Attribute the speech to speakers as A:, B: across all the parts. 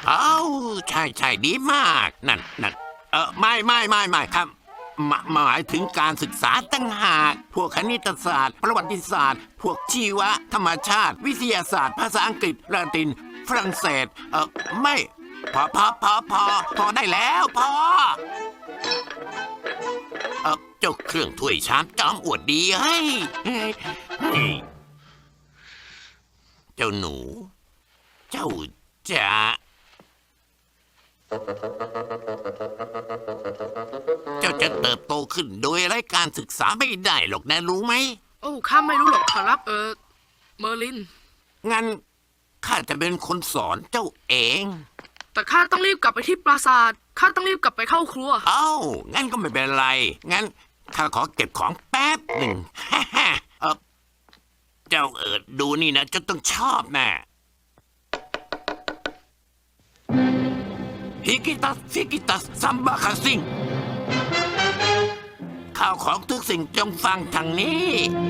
A: เอ้าใช่ดีมากนั่นไม่ครับหมายถึงการศึกษาตั้งหากพวกคณิตศาสตร์ประวัติศาสตร์พวกชีวะธรรมชาติวิทยาศาสตร์ภาษาอังกฤษละตินฝรั่งเศสไม่พอได้แล้วพอเจ้าเครื่องถ้วยชามจอมอวดดีเฮ้ยเจ้าหนูเจ้าจะเติบโตขึ้นโดยไร้การศึกษาไม่ได้หรอกนะรู้ไหม
B: โอ้ข้าไม่รู้หรอกครับเมอร์ลิน
A: งั้นข้าจะเป็นคนสอนเจ้าเอง
B: แต่ข้าต้องรีบกลับไปที่ปราสาทข้าต้องรีบกลับไปเข้าครัว
A: เอ้างั้นก็ไม่เป็นไรงั้นข้าขอเก็บของแป๊บหนึ่งเจ้าดูนี่นะจะต้องชอบแน่ฮิกิตัสซัมบาคาซิงข้าวของทุกสิ่งจงฟังทางนี้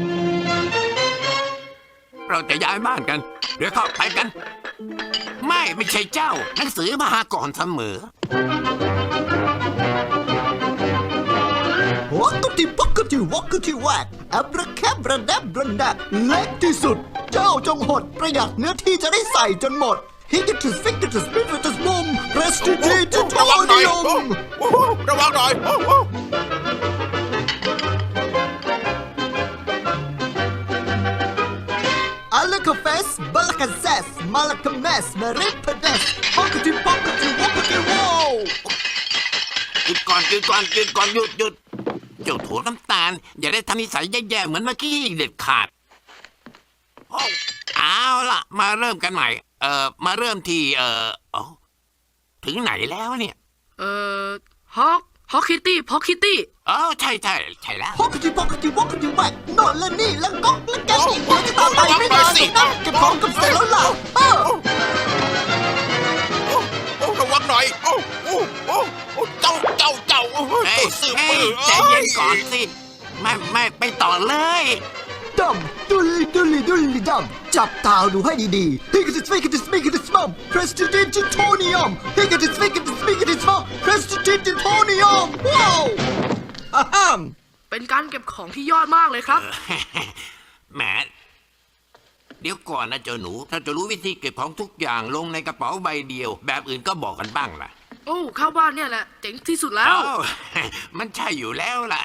A: เราจะย้ายบ้านกันเดี๋ยวเข้าไปกันไม่ใช่เจ้าหนังสือมาหาก่อนเสมอ
C: วักกติปักกติวักกติแวกอับระแคบระดับระดับเล็กที่สุดเจ้าจงหดประหยัดเนื้อที่จะได้ใส่จนหมดฮิกติสฟิกติสปิริตัสมุมเรสติจีจุดโทนิยม
D: ระวังหน่อย
C: อัลคาเฟสบัลคาเซสมาลคาเมสมาริพเดสปักกติปักกติวักกติวาว
A: หยุดก่อนหยุดเจ้าโถน้ำตาลอย่าได้ทำนิสัยแย่ๆเหมือนเมื่อกี้เด็ดขาดเอาล่ะมาเริ่มกันใหม่มาเริ่มที่ถึงไหนแล้วเนี่ย
B: ฮอกคิตตี้
A: ใช่แล้ว
C: ปักกติปักกติวักกติแวกนอนและนี่แล้วก็และแกอีกเดี๋ยวจะตามไปไม่นานหรอกนะเก็บของกับเสร็จแล้วล่ะ
D: ระวังหน่อยเจ้าซื้อปืน
A: ใจเย็นก่อนสิไม่ต่อเลย
C: ดำดุลิดำจับตาดูให้ดีๆฮิกติสฟิกติสมิกติสมัมเพรสติจิโทนิยมฮิกติสฟิกติสมิกติสมัมเพรสติจิโทนิยมว้าว
B: เป็นการเก็บของที่ยอดมากเลยครับ
A: แหมเดี๋ยวก่อนนะเจ้าหนูถ้าจะรู้วิธีเก็บของทุกอย่างลงในกระเป๋าใบเดียวแบบอื่นก็บอกกันบ้างล่ะ
B: โอ้ข้าว่าเนี่ยแหละเจ๋งที่สุดแล้ว
A: มันใช่อยู่แล้วล่ะ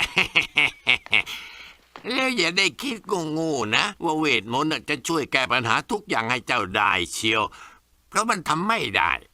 A: แล้วอย่าได้คิดงูนะว่าเวทมนต์จะช่วยแก้ปัญหาทุกอย่างให้เจ้าได้เชียวเพราะมันทำไม่ได้